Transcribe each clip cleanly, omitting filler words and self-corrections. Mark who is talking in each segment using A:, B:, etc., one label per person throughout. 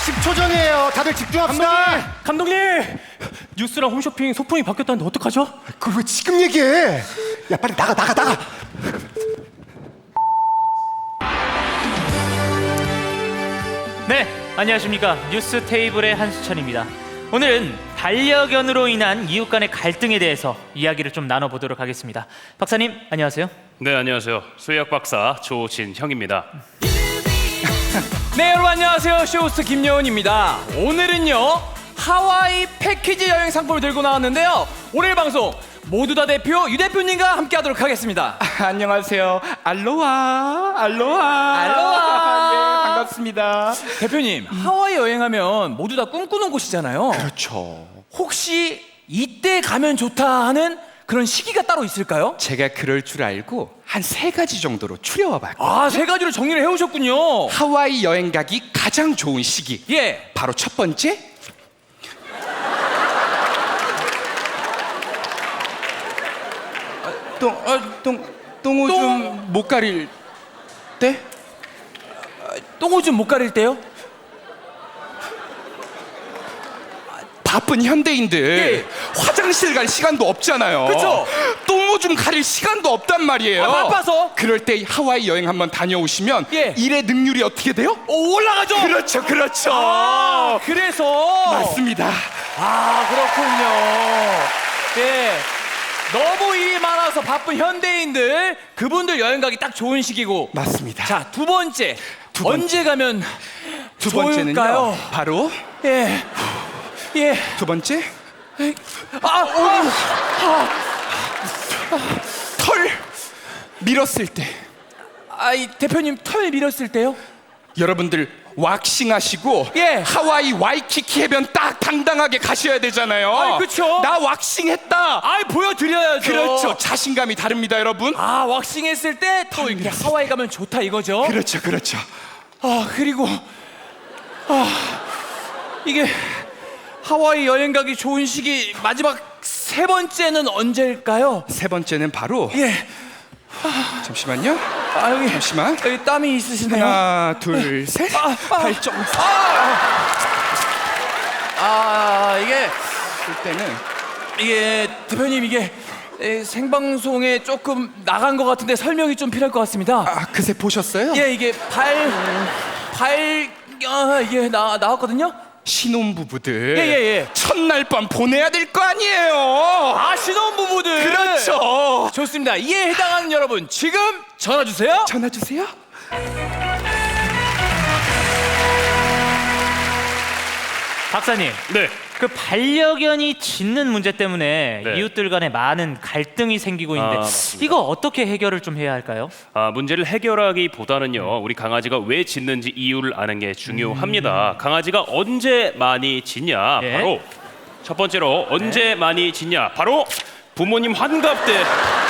A: 10초 전이에요. 다들 집중합시다.
B: 감독님! 뉴스랑 홈쇼핑 소품이 바뀌었다는데 어떡하죠?
A: 그걸 왜 지금 얘기해? 야, 빨리 나가.
B: 네, 안녕하십니까. 뉴스 테이블의 한수천입니다. 오늘은 반려견으로 인한 이웃 간의 갈등에 대해서 이야기를 좀 나눠보도록 하겠습니다. 박사님, 안녕하세요.
C: 네, 안녕하세요. 수의학 박사 조진형입니다.
D: 네, 여러분 안녕하세요. 쇼호스트 김여운입니다. 오늘은요 하와이 패키지 여행 상품을 들고 나왔는데요. 오늘 방송 모두 다 대표 유 대표님과 함께하도록 하겠습니다.
E: 안녕하세요. 알로하.
D: 알로하.
E: 예, 반갑습니다.
D: 대표님, 하와이 여행하면 모두 다 꿈꾸는 곳이잖아요.
E: 그렇죠.
D: 혹시 이때 가면 좋다 하는 그런 시기가 따로 있을까요?
E: 제가 그럴 줄 알고 한 3가지 정도로 추려와봤고
D: 아, 3가지로 정리를 해오셨군요.
E: 하와이 여행 가기 가장 좋은 시기.
D: 예.
E: 바로 첫 번째. 똥오줌 못 가릴 때?
D: 똥오줌 못 가릴 때요?
E: 바쁜 현대인들
D: 예.
E: 화장실 갈 시간도 없잖아요.
D: 그쵸?
E: 똥오줌 가릴 시간도 없단 말이에요.
D: 아, 바빠서?
E: 그럴 때 하와이 여행 한번 다녀오시면
D: 예.
E: 일의 능률이 어떻게 돼요?
D: 오, 올라가죠?
E: 그렇죠.
D: 아, 그래서
E: 맞습니다.
D: 아, 그렇군요. 예. 너무 일이 많아서 바쁜 현대인들 그분들 여행 가기 딱 좋은 시기고.
E: 맞습니다.
D: 자, 두 번째.
E: 두 번째.
D: 언제 가면
E: 두 번째는요.
D: 좋을까요?
E: 바로
D: 예. 예.
E: 두 번째 털 밀었을 때.
D: 이 대표님 털 밀었을 때요?
E: 여러분들 왁싱 하시고
D: 예.
E: 하와이 와이키키 해변 딱 당당하게 가셔야 되잖아요.
D: 아이, 그쵸.
E: 나 왁싱 했다.
D: 보여드려야죠.
E: 그렇죠. 자신감이 다릅니다, 여러분.
D: 아, 왁싱 했을 때 또 이렇게 하와이 가면 좋다 이거죠?
E: 그렇죠.
D: 그리고 이게 하와이 여행 가기 좋은 시기 마지막 3번째는 언제일까요?
E: 세 번째는 바로
D: 예.
E: 잠시만요.
D: 여기
E: 잠시만.
D: 여기 땀이 있으시네요.
E: 하나, 둘, 셋. 발정.
D: 이게
E: 때는
D: 대표님 이게 생방송에 조금 나간 것 같은데 설명이 좀 필요할 것 같습니다.
E: 그새 보셨어요?
D: 예, 이게 이게 나왔거든요.
E: 신혼부부들
D: 예.
E: 첫날 밤 보내야 될 거 아니에요.
D: 신혼부부들.
E: 그렇죠.
D: 좋습니다. 이에 해당하는 여러분 지금 전화 주세요.
E: 전화 주세요.
B: 박사님,
C: 네,
B: 그 반려견이 짖는 문제 때문에
C: 네.
B: 이웃들 간에 많은 갈등이 생기고 있는데
C: 맞습니다.
B: 이거 어떻게 해결을 좀 해야 할까요?
C: 문제를 해결하기보다는요, 우리 강아지가 왜 짖는지 이유를 아는 게 중요합니다. 강아지가 언제 많이 짖냐?
B: 예.
C: 바로 첫 번째로 언제 많이 짖냐? 바로 부모님 환갑 때.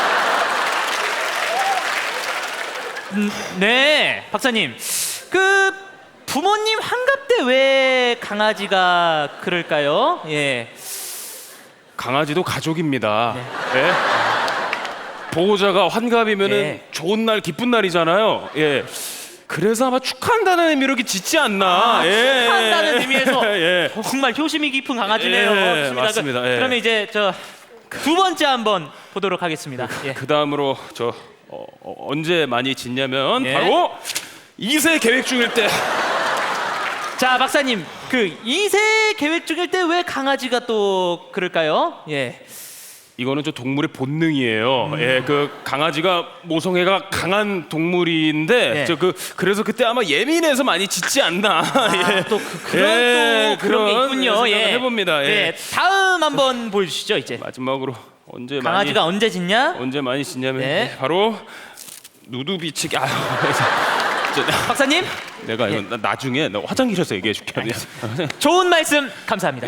B: 네, 박사님. 그 부모님 환갑 때 왜 강아지가 그럴까요? 예.
C: 강아지도 가족입니다. 예? 보호자가 환갑이면은
B: 예.
C: 좋은 날, 기쁜 날이잖아요. 예. 그래서 아마 축하한다는 의미로 이렇게 짖지 않나. 예.
B: 축하한다는 의미에서
C: 예.
B: 정말 효심이 깊은 강아지네요.
C: 예,
B: 좋습니다.
C: 맞습니다. 예.
B: 그러면 이제 두 번째 한번 보도록 하겠습니다. 예.
C: 그 다음으로 언제 많이 짖냐면
B: 예.
C: 바로 2세 계획 중일 때.
B: 자, 박사님, 그 2세 계획 중일 때 왜 강아지가 또 그럴까요? 예.
C: 이거는 저 동물의 본능이에요. 예, 그 강아지가 모성애가 강한 동물인데
B: 예.
C: 그래서 그때 아마 예민해서 많이 짖지 않나. 예.
B: 또 그런 게 있군요.
C: 생각을
B: 예.
C: 해봅니다. 예.
B: 네, 다음 한번 보여주시죠. 이제
C: 마지막으로 언제
B: 강아지가 언제 짖냐?
C: 언제 많이 짖냐면
B: 네.
C: 바로 누드비치기.
B: 박사님,
C: 내가 이거 나중에 너 화장실에서 얘기해 줄게.
B: 좋은 말씀 감사합니다.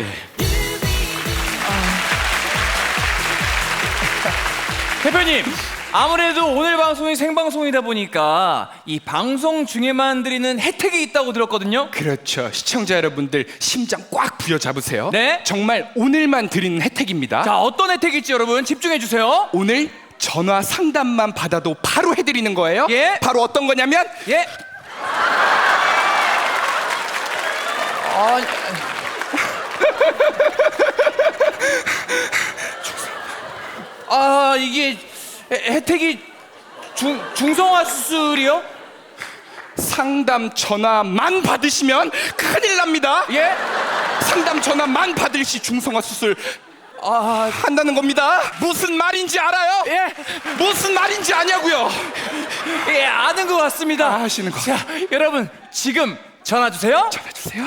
D: 대표님, 아무래도 오늘 방송이 생방송이다 보니까 이 방송 중에만 드리는 혜택이 있다고 들었거든요.
E: 그렇죠. 시청자 여러분들 심장 꽉 부여잡으세요.
D: 네.
E: 정말 오늘만 드리는 혜택입니다.
D: 자, 어떤 혜택일지 여러분 집중해 주세요.
E: 오늘 전화 상담만 받아도 바로 해드리는 거예요.
D: 예.
E: 바로 어떤 거냐면
D: 예. 이게 혜택이 중성화 수술이요?
E: 상담 전화만 받으시면 큰일 납니다.
D: 예?
E: 상담 전화만 받을 시 중성화 수술 한다는 겁니다. 무슨 말인지 알아요?
D: 예?
E: 무슨 말인지 아냐고요?
D: 예, 아는 것 같습니다.
E: 아시는 거.
D: 자, 여러분 지금 전화 주세요.
E: 전해주세요.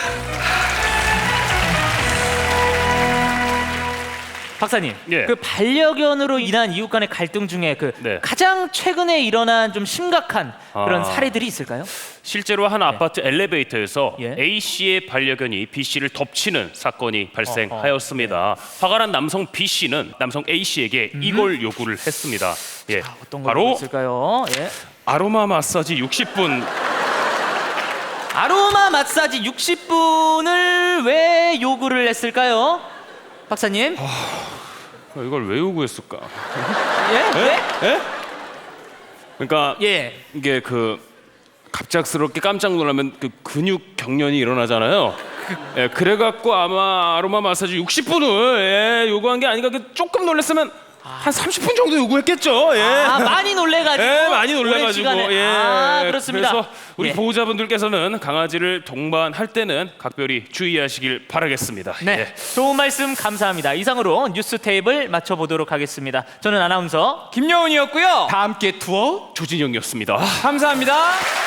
B: 박사님,
C: 예.
B: 그 반려견으로 인한 이웃 간의 갈등 중에 그
C: 네.
B: 가장 최근에 일어난 좀 심각한 그런
C: 아.
B: 사례들이 있을까요?
C: 실제로 한 아파트 엘리베이터에서
B: 예.
C: A 씨의 반려견이 B 씨를 덮치는 사건이 발생하였습니다. 화가 난 남성 B 씨는 남성 A 씨에게 이걸 요구를 했습니다. 예,
B: 어떤 거
C: 바로
B: 있을까요? 예.
C: 아로마 마사지 60분.
B: 아로마 마사지 60분을 왜 요구를 했을까요? 박사님?
C: 이걸 왜 요구했을까?
B: 예?
C: 그러니까
B: 예.
C: 이게 그 갑작스럽게 깜짝 놀라면 그 근육 경련이 일어나잖아요. 예, 그래갖고 아마 아로마 마사지 60분을 요구한 게 아닌가. 조금 놀랐으면 한 30분 정도 요구했겠죠. 예.
B: 많이 놀래가지고.
C: 예, 많이
B: 오랜
C: 놀래가지고.
B: 시간에.
C: 예.
B: 그렇습니다.
C: 그래서 우리
B: 예.
C: 보호자분들께서는 강아지를 동반할 때는 각별히 주의하시길 바라겠습니다.
B: 네,
C: 예.
B: 좋은 말씀 감사합니다. 이상으로 뉴스 테이블 맞춰보도록 하겠습니다. 저는 아나운서
D: 김여운이었고요.
E: 다 함께 투어
C: 조진영이었습니다.
D: 감사합니다.